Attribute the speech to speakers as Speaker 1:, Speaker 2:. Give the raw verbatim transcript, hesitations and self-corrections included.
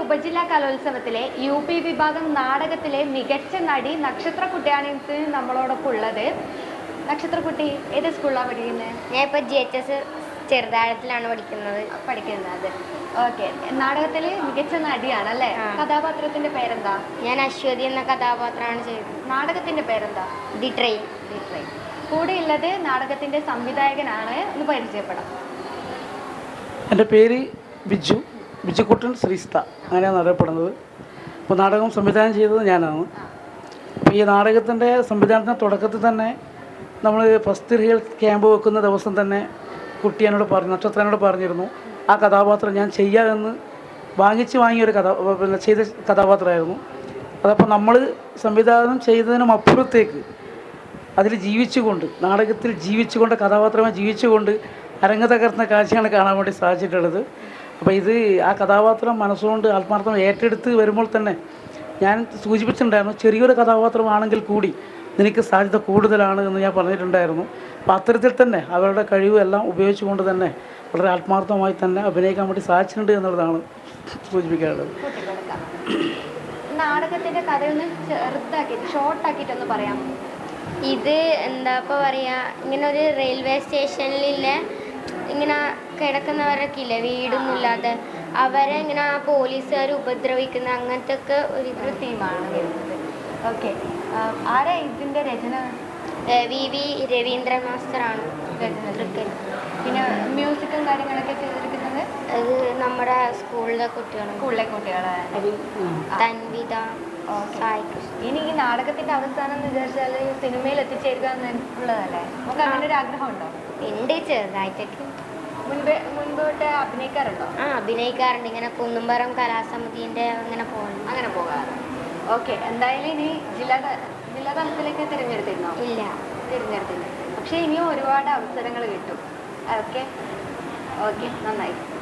Speaker 1: ഉപജില്ലാ കലോത്സവത്തിലെ U P വിഭാഗം നാടകത്തിലെ മികച്ച നടി നക്ഷത്രക്കുട്ടിയാണ് ഇന്ന് നമ്മളോടൊപ്പം ഉള്ളത്. നക്ഷത്രക്കുട്ടി ഏത് സ്കൂളിലാണ് പഠിക്കുന്നത്?
Speaker 2: ഞാൻ ഇപ്പോൾ ജി എച്ച് എസ് ചെറുതാഴത്തിലാണ് പഠിക്കുന്നത്
Speaker 1: പഠിക്കുന്നത് ഓക്കെ. നാടകത്തിൽ മികച്ച നടിയാണ് അല്ലേ? കഥാപാത്രത്തിന്റെ പേരെന്താ?
Speaker 2: ഞാൻ അശ്വതി എന്ന കഥാപാത്രമാണ് ചെയ്തത്.
Speaker 1: നാടകത്തിന്റെ പേരെന്താ?
Speaker 2: The train.
Speaker 1: The train. കൂടെ ഉള്ളത് നാടകത്തിന്റെ സംവിധായകനാണ്. ഒന്ന് പരിചയപ്പെടാം.
Speaker 3: എൻ്റെ പേര് ബിജു ബിജുക്കുട്ടൻ ശ്രീസ്ത, അങ്ങനെയാണ് അറിയപ്പെടുന്നത്. അപ്പോൾ നാടകം സംവിധാനം ചെയ്തത് ഞാനാണ്. അപ്പോൾ ഈ നാടകത്തിൻ്റെ സംവിധാനത്തിൻ്റെ തുടക്കത്തിൽ തന്നെ നമ്മൾ ഫസ്റ്റ് റിയൽ ക്യാമ്പ് വെക്കുന്ന ദിവസം തന്നെ കുട്ടി എന്നോട് പറഞ്ഞു, നക്ഷത്രനോട് പറഞ്ഞിരുന്നു ആ കഥാപാത്രം ഞാൻ ചെയ്യാമെന്ന് വാങ്ങിച്ച് വാങ്ങിയൊരു കഥ പിന്നെ ചെയ്ത കഥാപാത്രമായിരുന്നു. അതപ്പോൾ നമ്മൾ സംവിധാനം ചെയ്തതിനും അപ്പുറത്തേക്ക് അതിൽ ജീവിച്ചുകൊണ്ട്, നാടകത്തിൽ ജീവിച്ചുകൊണ്ട്, കഥാപാത്രമായി ജീവിച്ചുകൊണ്ട് അരങ്ങ് തകർന്ന കാഴ്ചയാണ് കാണാൻ വേണ്ടി സാധിച്ചിട്ടുള്ളത്. അപ്പോൾ ഇത് ആ കഥാപാത്രം മനസ്സുകൊണ്ട് ആത്മാർത്ഥം ഏറ്റെടുത്ത് വരുമ്പോൾ തന്നെ ഞാൻ സൂചിപ്പിച്ചിട്ടുണ്ടായിരുന്നു, ചെറിയൊരു കഥാപാത്രമാണെങ്കിൽ കൂടി നിനക്ക് സാധ്യത കൂടുതലാണ് എന്ന് ഞാൻ പറഞ്ഞിട്ടുണ്ടായിരുന്നു. അപ്പോൾ അത്തരത്തിൽ തന്നെ അവരുടെ കഴിവ് എല്ലാം ഉപയോഗിച്ചുകൊണ്ട് തന്നെ വളരെ ആത്മാർത്ഥമായി തന്നെ അഭിനയിക്കാൻ വേണ്ടി സാധിച്ചിട്ടുണ്ട് എന്നുള്ളതാണ് സൂചിപ്പിക്കാനുള്ളത്.
Speaker 1: നാടകത്തിൻ്റെ കഥയൊന്ന് ചെറുതാക്കിയിട്ട് ഷോർട്ടാക്കിയിട്ടൊന്ന് പറയാം.
Speaker 2: ഇത് എന്താ ഇപ്പോൾ പറയുക, ഇങ്ങനെ ഒരു റെയിൽവേ സ്റ്റേഷനിലെ ഇങ്ങനെ കിടക്കുന്നവരൊക്കെ ഇല്ലേ, വീടൊന്നും ഇല്ലാതെ, അവരെ ഇങ്ങനെ പോലീസുകാർ ഉപദ്രവിക്കുന്ന അങ്ങനത്തെ ഒക്കെ ഒരു
Speaker 1: ഒരു തീമാണ് വരുന്നത്. ഓക്കെ. ആരാ ഇതിൻ്റെ രചന?
Speaker 2: വി വി രവീന്ദ്രൻ മാസ്റ്ററാണ്
Speaker 1: രചന. പിന്നെ മ്യൂസിക്കും കാര്യങ്ങളൊക്കെ ചെയ്തിരിക്കുന്നത്
Speaker 2: അത് നമ്മുടെ സ്കൂളിലെ കുട്ടികളും
Speaker 1: സ്കൂളിലെ കുട്ടികളെ
Speaker 2: തൻവിത, സായി കൃഷ്ണ.
Speaker 1: ഇനി ഈ നാടകത്തിന്റെ അവസാനം എന്ന് വിചാരിച്ചാൽ സിനിമയിൽ എത്തിച്ചേരുക എന്നുള്ളതല്ലേ? നമുക്ക് അങ്ങനെ ഒരു ആഗ്രഹം ഉണ്ടോ?
Speaker 2: ഉണ്ട്, ചെറുതായിട്ടൊക്കെ.
Speaker 1: മുൻപ് മുൻപോട്ട് അഭിനയിക്കാറുണ്ടോ?
Speaker 2: ആ അഭിനയിക്കാറുണ്ട്. ഇങ്ങനെ കുന്നുംപുറം കലാസമിതിൻ്റെ അങ്ങനെ പോകുന്നു
Speaker 1: അങ്ങനെ പോകാറ്. ഓക്കെ. എന്തായാലും ഇനി ജില്ലാ ജില്ലാ തലത്തിലേക്ക് തിരഞ്ഞെടുത്തിരുന്നോ?
Speaker 2: ഇല്ല,
Speaker 1: തിരഞ്ഞെടുത്തില്ല. പക്ഷേ ഇനിയും ഒരുപാട് അവസരങ്ങൾ കിട്ടും. ഓക്കെ ഓക്കെ നന്നായി.